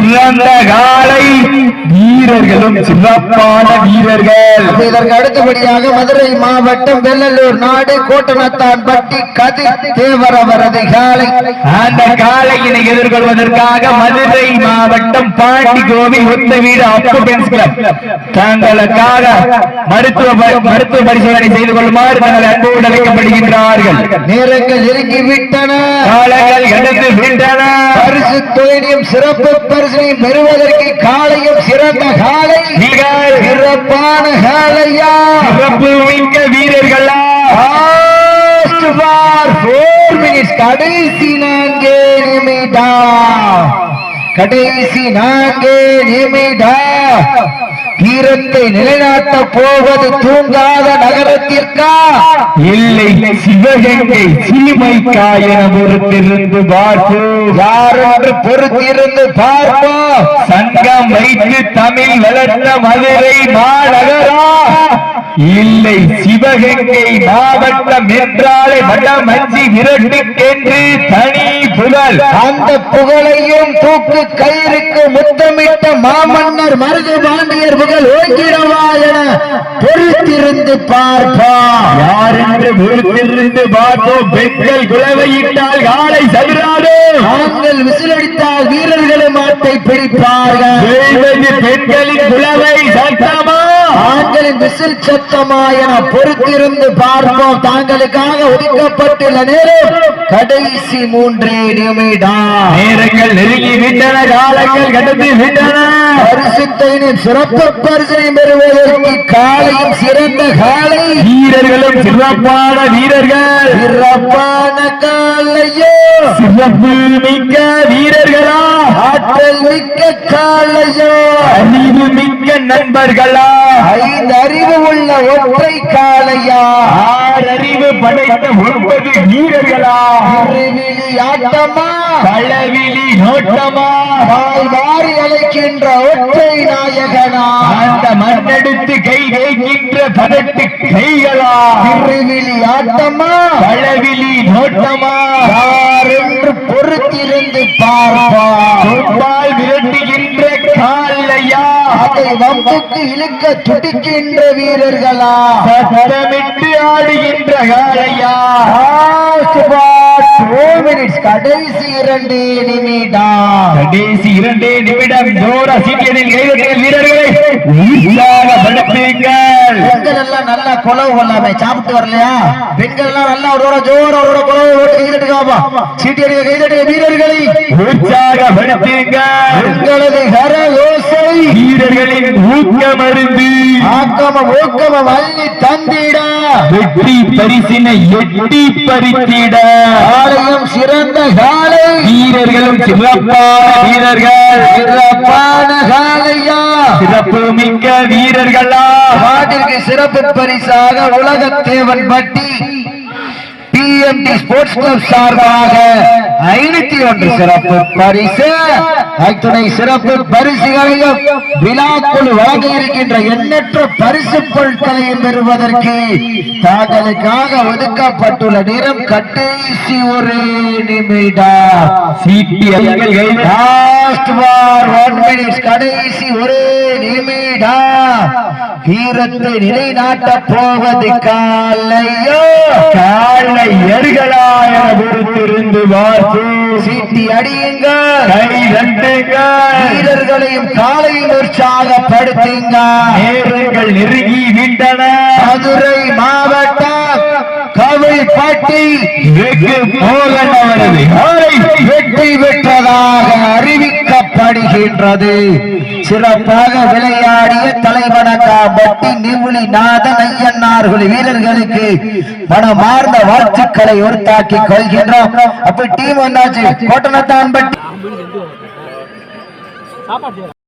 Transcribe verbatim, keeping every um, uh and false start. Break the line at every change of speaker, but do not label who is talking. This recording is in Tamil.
சிறந்த காலை வீரர்களும் சிறப்பான வீரர்கள்.
இதற்கு அடுத்தபடியாக மதுரை மாவட்டம் வெள்ளலூர் நாடு கோட்டனத்தான் பட்டி கதிர் தேவர் அவரது காலை.
அந்த காலையினை எதிர்கொள்வதற்காக மதுரை மாவட்டம் பாண்டி கோவில் ஒத்த வீடு அப்பு பென்ஸ் கிளப் தங்களுக்காக மருத்துவ மருத்துவ பரிசோதனை செய்து கொள்ளுமாறு தங்கள் அன்போடு அழைக்கப்படுகின்றார்கள்.
நேரங்கள் நெருங்கி விட்டன,
காலங்கள் கடந்து விட்டன.
பரிசு தொழிலையும் சிறப்பு பரிசையும் பெறுவதற்கு காலையும் சிறந்த காலை, சிறப்பான காலையா,
சிறப்பு மிக்க வீரர்களா.
கடைசி நான்கே நிமிடம், கடைசி நான்கே நிமிடம் வீரத்தை நிலைநாட்ட போவது தூங்காத நகரத்திற்கா
இல்லை சிவகங்கை சீமைக்கா என பொறுத்திருந்து பார்ப்போம்.
யாரென்று பொறுத்திருந்து பார்ப்போம்.
சங்கம் வைத்து தமிழ் வளர்த்த மதுரை மாநகரா இல்லை சிவகங்கை மாவட்டம் என்றாலே வடமஞ்சி விரட்டுக்கென்று தனி புகழ்.
அந்த புகழையும் தூக்கு கயிறுக்கு முத்தமிட்ட மாமன்னர் மருது பாண்டியர் புகழ் ஓங்கிடவா என பொறுத்திருந்து பார்ப்போம்.
யார் என்று பொறுத்திருந்து பார்ப்போம். பெண்கள் குலவையிட்டால் காலை சதுராது,
ஆண்கள் விசிலடித்தால் வீரர்களும் மாட்டை பிடிப்பார்கள்.
பெண்களின் குலவை சத்தமா,
ஆண்களின் விசில் சத்தமா என பொறுத்திருந்து பார்ப்போம். தாங்களுக்காக ஒதுக்கப்பட்டுள்ள நேரம் கடைசி மூன்றே நிமிடம்.
நேரங்கள் நெருங்கி விட்டன, காலங்கள் கடந்து விட்டன.
பரிசுத்தையும் சிறப்பு பரிசையும் பெறுவதற்கு காலையும் சிறந்த காலை,
வீரர்களும் சிறப்பான வீரர்கள்,
சிறப்பான காலையோ,
சிறப்பு மிக்க வீரர்களா,
ஆற்றல் மிக்க காலையோ,
அறிவு மிக்க நண்பர்களா,
ஐந்து அறிவு உள்ள ஒற்றை காலையா,
ஆறு அறிவு படைத்த ஒன்பது வீரர்களா,
அறிவிலி ஆட்டமா,
களவிலி நோட்டமா,
வாய் வாரி அழைக்கின்ற ஒற்றை நாயகனா,
அந்த மண்ணெடுத்து கை வைக்கின்ற பதட்டு கைகளா,
அறிவிலி ஆட்டமா,
களவிலி நோட்டமா,
யார் என்று பொறுத்திருந்து பார்ப்பா.
சொன்னால் விரட்டுகின்ற காலையா,
அதை வம்புக்கு இழுக்க துடிக்கின்ற வீரர்களா,
சத்தமிட்டு ஆடுகின்ற காலையா.
கடைசி இரண்டு நிமிடம்,
கடைசி இரண்டே நிமிடம் ஜோரா சீட்டியதில் கைதட்டிய வீரர்களை உற்சாகப்படுத்துங்கள்.
பெண்கள் எல்லாம் நல்லா குலவு கொள்ளாம சாப்பிட்டு வரலையா? பெண்கள் எல்லாம் நல்லா அவரோட ஜோர அவரோட குலவை ஓட்டு கைதட்டுக்காப்பா. சீட்டியடிய கைதட்டிய வீரர்களை
உற்சாகப்படுத்துங்கள்.
உங்களது கர யோசை
வீரர்களின் ஊக்கமருந்து
ஆக்கம ஊக்கம வள்ளி தந்திட
வெற்றி பரிசினை எட்டி பறித்திட
ஆலயம் சிறந்த காலை,
வீரர்களும் சிறப்பான வீரர்கள்,
சிறப்பான காலையா,
சிறப்பு மிக்க வீரர்களா.
நாட்டிற்கு சிறப்பு பரிசாக உலக தேவன் பட்டி B M D sports club சார்பாக ஐநூத்தி ஒன்று சிறப்பு பரிசு, அத்துணை சிறப்பு பரிசுகளையும் விழாக்குழு வழங்க இருக்கின்ற எண்ணற்ற பரிசு பொருட்களையும் பெறுவதற்கு தாங்களுக்காக ஒதுக்கப்பட்டுள்ள நேரம் கடைசி ஒரு நிமிடம். கடைசி ஒரு நிமிடம் வீரத்தை நிலைநாட்ட போவது காலையோ,
காலை எருகளா என பொறுத்திருந்து பார்த்து
சீட்டி அடியுங்கள்,
கை தட்டுங்கள்,
வீரர்களையும் காலையில் உற்சாகப்படுத்துங்க.
நேரங்கள் நெருங்கி விட்டன.
மதுரை மாவட்டம் கவிழ்பட்டி
வெகு மோகன் அவரது காலை
வெற்றி பெற்றதாக அறிவிக்கப்படுகின்றது. சிறப்பாக விளையாடிய தலைவணக்காம்பட்டி நிவுளி நாதன் ஐயன்னார்கள் வீரர்களுக்கு மனமார்ந்த வாழ்த்துக்களை உறுத்தாக்கி கொள்கின்றோம். அப்ப டீம் வந்தாச்சு கோட்டனத்தான் பட்டி.